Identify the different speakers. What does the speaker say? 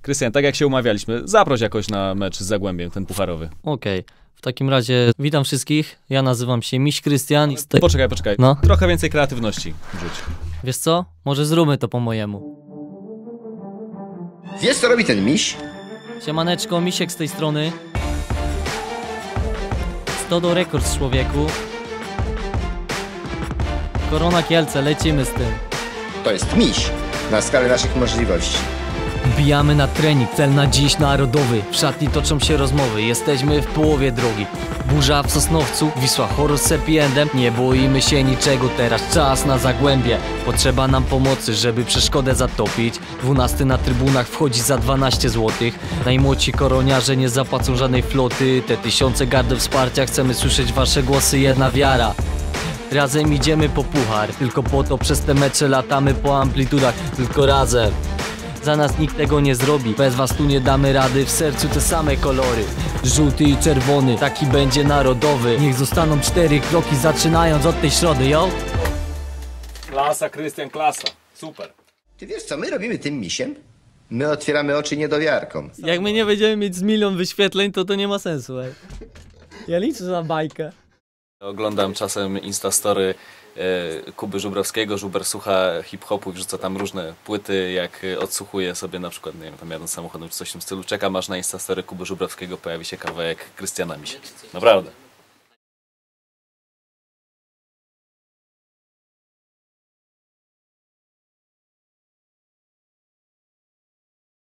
Speaker 1: Krystian, tak jak się umawialiśmy, zaproś jakoś na mecz z Zagłębiem, ten pucharowy.
Speaker 2: Okej. W takim razie witam wszystkich. Ja nazywam się Miś Krystian.
Speaker 1: Poczekaj.
Speaker 2: No.
Speaker 1: Trochę więcej kreatywności rzuć.
Speaker 2: Wiesz co? Może zróbmy to po mojemu.
Speaker 3: Wiesz, co robi ten miś?
Speaker 2: Siemaneczko, Misiek z tej strony. Stodo Records, człowieku. Korona Kielce, lecimy z tym.
Speaker 3: To jest miś na skalę naszych możliwości.
Speaker 2: Wbijamy na trening, cel na dziś narodowy. W szatni toczą się rozmowy, jesteśmy w połowie drogi. Burza w Sosnowcu, Wisła Horus z Happy Endem. Nie boimy się niczego, teraz czas na Zagłębie. Potrzeba nam pomocy, żeby przeszkodę zatopić. 12 na trybunach wchodzi za 12 zł. Najmłodsi koroniarze nie zapłacą żadnej floty. Te tysiące gardeł wsparcia, chcemy słyszeć wasze głosy, jedna wiara. Razem idziemy po puchar, tylko po to przez te mecze latamy po amplitudach. Tylko razem. Za nas nikt tego nie zrobi, bez was tu nie damy rady. W sercu te same kolory, żółty i czerwony, taki będzie narodowy. Niech zostaną 4 kroki, zaczynając od tej środy, yo!
Speaker 1: Klasa, Krystian, klasa. Super.
Speaker 3: Ty wiesz, co my robimy tym misiem? My otwieramy oczy niedowiarkom.
Speaker 2: Jak my nie będziemy mieć z 1 000 000 wyświetleń, to nie ma sensu, ej. Ja liczę na bajkę.
Speaker 1: Oglądam czasem Instastory Kuby Żubrowskiego. Żuber słucha hip-hopu i wrzuca tam różne płyty, jak odsłuchuje sobie na przykład, nie wiem, tam jadąc samochodem czy coś w tym stylu. Czekam aż na Instastory Kuby Żubrowskiego pojawi się kawałek Krystiana Misia. Naprawdę.